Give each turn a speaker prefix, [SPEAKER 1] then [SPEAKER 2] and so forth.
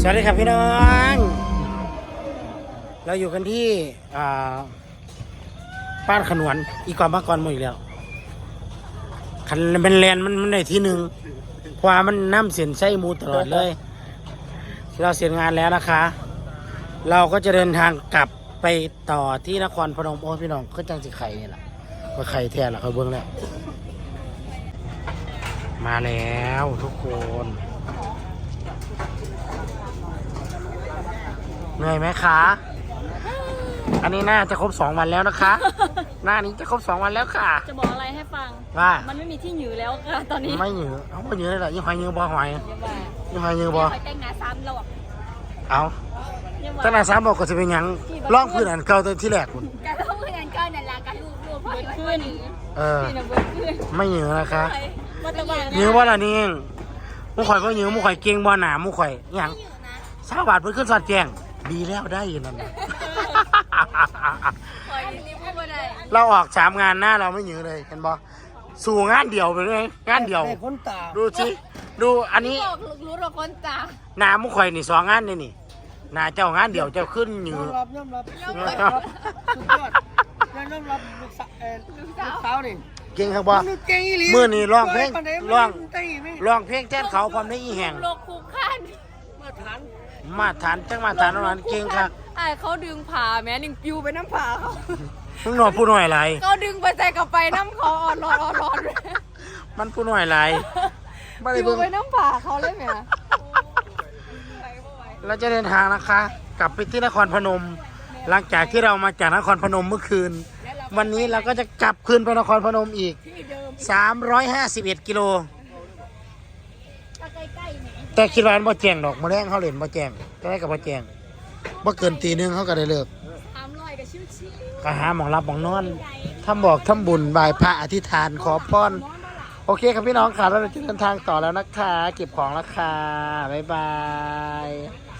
[SPEAKER 1] สวัสดีครับพี่น้องเราอยู่กันที่บ้านขนวนอีกก่อนมาก่อนหมดอีกแล้วคันเป็นแลนมันในที่หนึ่งเพราะว่ามันน้ำเสียนไส้มูตลอดเลยเราเสร็จงานแล้วนะคะ เราก็จะเดินทางกลับไปต่อที่นครพนมโอ้พี่น้องก็จังสิไข่นี่แหละก็ไข่แท้ละเขาเบิ้งแล้วมาแล้วทุกคนเหนื่อยไหมคะ อันนี้น่าจะครบ2 วันแล้วนะคะ หน้านี้จะครบ2 วันแล้วค่ะ
[SPEAKER 2] จะบอกอะไรให้ฟัง
[SPEAKER 1] ว่า
[SPEAKER 2] มันไม่มีที่หยือแล้วค่ะตอนนี้
[SPEAKER 1] ไม่หยือเอาไม่หยือเลยเหรอยี่หอยหยือบอหอยยี่หอยหยือบอ
[SPEAKER 2] หอยแต่งหน้าซ้ำเราอ่ะ
[SPEAKER 1] เอาตั้งแต่3 บอกก็จะเป็นยังล่องพื้นอันเก่าตัวที่แรกคุณ
[SPEAKER 2] การเล่าเพื่อนก็นั่นแหละการรูปเบิดขึ้นนี่นะเบิดขึ้น
[SPEAKER 1] ไม่หยือนะคะ
[SPEAKER 2] มาตะวัน
[SPEAKER 1] หยือว่าละนี่มุข่อยก็หยือมุข่อยเก่งบ่หนามุข่อยยัง20 บาทเพิ่นขึ้นสอดแจ้งดีแล้วได้ยินนั่น
[SPEAKER 2] หอยนี่พูดว่าได้
[SPEAKER 1] เราออก3 งานหน้าเราไม่หยือเลยเห็นบ่สู่งานเดียวไปเลยงานเดียวดูสิดูอันนี้
[SPEAKER 2] รู้เราคนตา
[SPEAKER 1] หนามุข่อยนี่2 งานนี่หนาเจ้างานเดียวเจ้าขึ้นหยือย
[SPEAKER 3] อมรับสุดยอดยอมรับลูกสาวนี่
[SPEAKER 1] เก่งครับบ่
[SPEAKER 3] เก่งอีหลี
[SPEAKER 1] มื้อนี้ร้องเพลงร้อง
[SPEAKER 3] เต้ไม่
[SPEAKER 1] ร้องเพลงแทนเขาพร้อมได้อีแหง
[SPEAKER 2] โลกคู่ขั้น
[SPEAKER 3] มาฐาน
[SPEAKER 1] มาฐานจังมาฐานนั้นเก่งครับ
[SPEAKER 2] ไอ้เขาดึงผ่าแม้หนึ่งปิวไปน้ำผ่าเขา
[SPEAKER 1] มึงหน่อยผู้หน่อยไร
[SPEAKER 2] เขาดึงไปใส่กับไปน้ำคออ่อนร้อน
[SPEAKER 1] มันผู้หน่อยไรบ่ได้
[SPEAKER 2] ปิว
[SPEAKER 1] เบิ่ง
[SPEAKER 2] ไปน้ำผ่าเขาเลยไหม
[SPEAKER 1] เราจะเดินทางนะคะ กลับไปที่นครพนม หลังจากที่เรามาจากนครพนมเมื่อคืน วันนี้เราก็จะกลับคืนไปนครพนมอีก351 กิโล
[SPEAKER 2] ใกล้ๆเนี่ย
[SPEAKER 1] แต่คิดว่ามันบ่แจ้งดอกมื้อแรงเขาเล่นบ่แจ้งแต่ได้ก็บ่แจ้งบ่เกินตี 1เขาก็ได้เลิก
[SPEAKER 2] 300กับชิว
[SPEAKER 1] ก็หาหมองรับหมองนอนทำบอกทำบุญบายพระอธิษฐานขอพรโอเคครับพี่น้องค่ะเราจะเดินทางต่อแล้วนะคะเก็บของแล้วค่ะบ๊ายบาย